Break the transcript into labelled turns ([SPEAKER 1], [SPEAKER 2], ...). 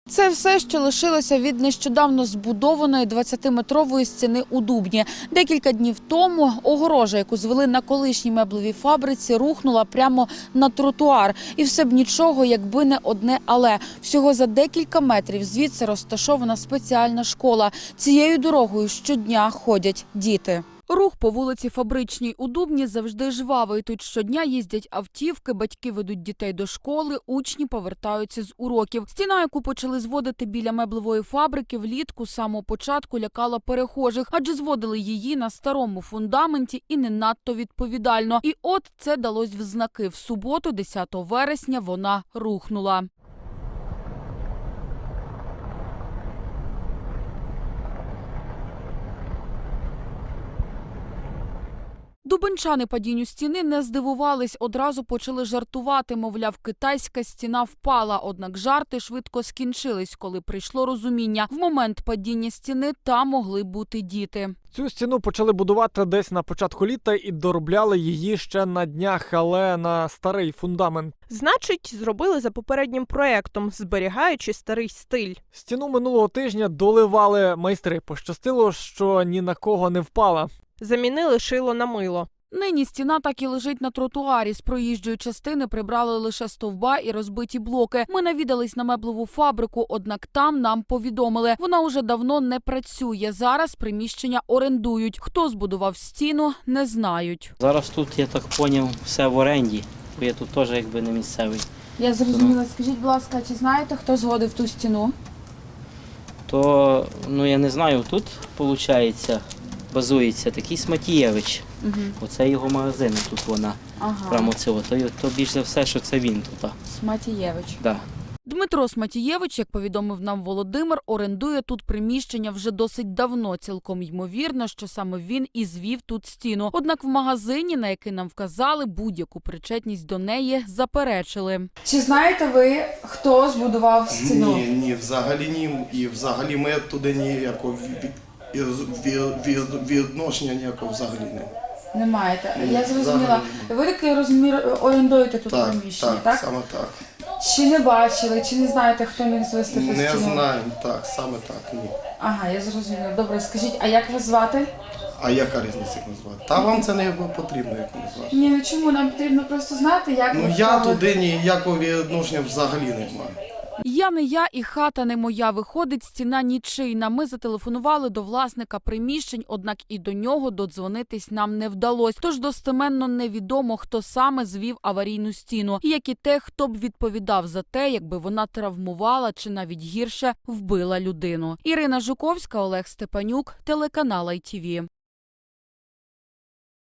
[SPEAKER 1] Це все, що лишилося від нещодавно збудованої 20-метрової стіни у Дубні. Декілька днів тому огорожа, яку звели на колишній меблевій фабриці, рухнула прямо на тротуар. І все б нічого, якби не одне «але». Всього за декілька метрів звідси розташована спеціальна школа. Цією дорогою щодня ходять діти. Рух по вулиці Фабричній у Дубні завжди жвавий. Тут щодня їздять автівки, батьки ведуть дітей до школи, учні повертаються з уроків. Стіна, яку почали зводити біля меблевої фабрики, влітку з самого початку лякала перехожих, адже зводили її на старому фундаменті і не надто відповідально. І от це далось в знаки. В суботу, 10 вересня, вона рухнула. Дубенчани падінню стіни не здивувались, одразу почали жартувати, мовляв, китайська стіна впала. Однак жарти швидко скінчились, коли прийшло розуміння. В момент падіння стіни там могли бути діти.
[SPEAKER 2] Цю стіну почали будувати десь на початку літа і доробляли її ще на днях, але на старий фундамент.
[SPEAKER 3] Значить, зробили за попереднім проєктом, зберігаючи старий стиль.
[SPEAKER 2] Стіну минулого тижня доливали майстри. Пощастило, що ні на кого не впала.
[SPEAKER 3] Замінили шило на мило.
[SPEAKER 1] Нині стіна так і лежить на тротуарі. З проїжджої частини прибрали лише стовба і розбиті блоки. Ми навідались на меблеву фабрику, однак там нам повідомили, вона уже давно не працює. Зараз приміщення орендують. Хто збудував стіну, не знають.
[SPEAKER 4] Зараз тут, я так зрозумів, все в оренді, бо я тут теж якби не місцевий.
[SPEAKER 1] Я зрозуміла. Скажіть, будь ласка, чи знаєте, хто згодив ту стіну?
[SPEAKER 4] То, я не знаю, тут, виходить, базується такий Сматієвич. Оце його магазин, тут вона, прямо цього. То більш за все, що це він тут.
[SPEAKER 1] Сматієвич.
[SPEAKER 4] Да.
[SPEAKER 1] Дмитро Сматієвич, як повідомив нам Володимир, орендує тут приміщення вже досить давно. Цілком ймовірно, що саме він і звів тут стіну. Однак в магазині, на який нам вказали, будь-яку причетність до неї заперечили. Чи знаєте ви, хто збудував стіну?
[SPEAKER 5] Ні, взагалі ні. І взагалі ми туди ніякого відношення ніякого взагалі не.
[SPEAKER 1] Не маєте. Я зрозуміла. Ви, так я розумію, орендуєте тут приміщення, так?
[SPEAKER 5] Так, саме так.
[SPEAKER 1] Чи не бачили, чи не знаєте, хто міг звести ту стіну?
[SPEAKER 5] Не знаємо, так, саме так, ні.
[SPEAKER 1] Ага, я зрозуміла. Добре, скажіть, а як вас звати?
[SPEAKER 5] А яка різниця, як назвати? Та вам це не потрібно, як назвати.
[SPEAKER 1] Ні, ну чому? Нам потрібно просто знати, як ви
[SPEAKER 5] Я
[SPEAKER 1] справи.
[SPEAKER 5] туди ніякого відношення взагалі не маю.
[SPEAKER 1] Я не я і хата не моя. Виходить, стіна нічийна. Ми зателефонували до власника приміщень, однак і до нього додзвонитись нам не вдалося. Тож достеменно невідомо, хто саме звів аварійну стіну. І як і те, хто б відповідав за те, якби вона травмувала чи навіть гірше вбила людину. Ірина Жуковська, Олег Степанюк, телеканал ITV.